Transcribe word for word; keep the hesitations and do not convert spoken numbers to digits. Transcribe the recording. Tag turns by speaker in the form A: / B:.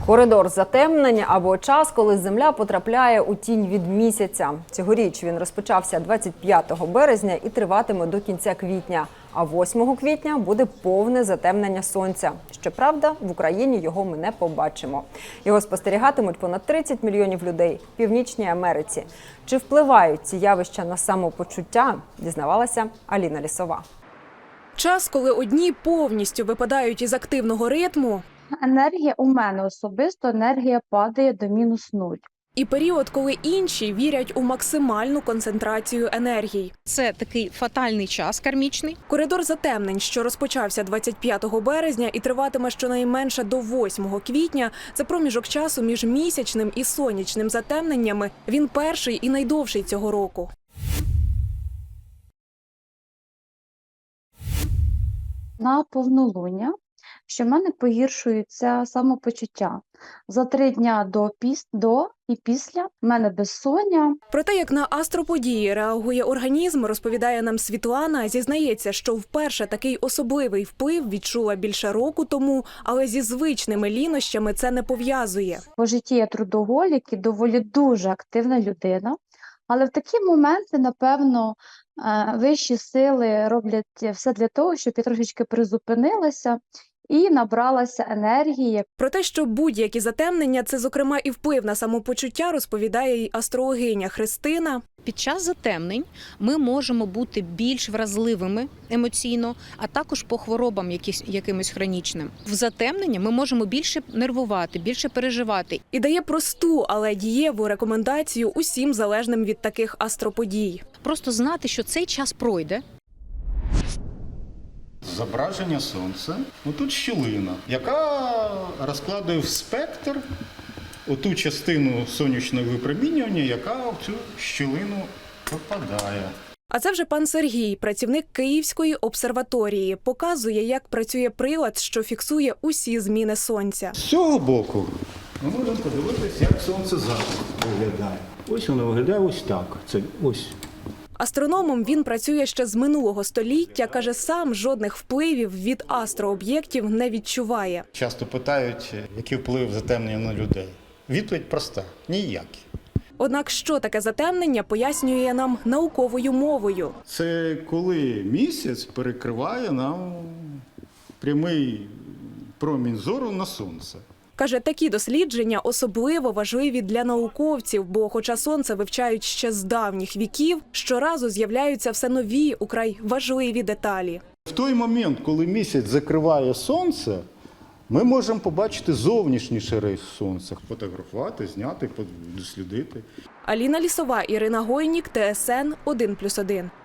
A: Коридор затемнення або час, коли Земля потрапляє у тінь від місяця. Цьогоріч він розпочався двадцять п'ятого березня і триватиме до кінця квітня. А восьмого квітня буде повне затемнення сонця. Щоправда, в Україні його ми не побачимо. Його спостерігатимуть понад тридцять мільйонів людей в Північній Америці. Чи впливають ці явища на самопочуття, дізнавалася Аліна Лісова.
B: Час, коли одні повністю випадають із активного ритму.
C: Енергія у мене особисто, енергія падає до мінус нуль.
B: І період, коли інші вірять у максимальну концентрацію енергії.
D: Це такий фатальний час кармічний.
B: Коридор затемнень, що розпочався двадцять п'ятого березня і триватиме щонайменше до восьмого квітня, це проміжок часу між місячним і сонячним затемненнями. Він перший і найдовший цього року.
C: На повнолуння, що в мене погіршується самопочуття. За три дня до, піс, до і після в мене безсоння.
B: Про те, як на астроподії реагує організм, розповідає нам Світлана. Зізнається, що вперше такий особливий вплив відчула більше року тому, але зі звичними лінощами це не пов'язує.
C: По житті я трудоголік і доволі дуже активна людина. Але в такі моменти, напевно, вищі сили роблять все для того, щоб я трошечки призупинилася і набралася енергії.
B: Про те, що будь-які затемнення – це, зокрема, і вплив на самопочуття, розповідає й астрологиня Христина.
D: Під час затемнень ми можемо бути більш вразливими емоційно, а також по хворобам якісь, якимось хронічним. В затемнення ми можемо більше нервувати, більше переживати.
B: І дає просту, але дієву рекомендацію усім залежним від таких астроподій.
D: Просто знати, що цей час пройде.
E: Зображення сонця. Отут щілина, яка розкладує в спектр оту частину сонячного випромінювання, яка в цю щілину попадає.
B: А це вже пан Сергій, працівник Київської обсерваторії. Показує, як працює прилад, що фіксує усі зміни сонця.
E: З цього боку ми можемо подивитися, як сонце зараз виглядає. Ось воно виглядає ось так. Це ось.
B: Астрономом він працює ще з минулого століття. Каже, сам жодних впливів від астрооб'єктів не відчуває.
E: Часто питають, який вплив затемнення на людей. Відповідь проста – ніякий.
B: Однак, що таке затемнення, пояснює нам науковою мовою.
E: Це коли місяць перекриває нам прямий промінь зору на сонце.
B: Каже, такі дослідження особливо важливі для науковців, бо хоча сонце вивчають ще з давніх віків, щоразу з'являються все нові, украй важливі деталі.
E: В той момент, коли місяць закриває сонце, ми можемо побачити зовнішній шари сонця, фотографувати, зняти, дослідити.
B: Аліна Лісова, Ірина Гойнік, Т С Н один плюс один.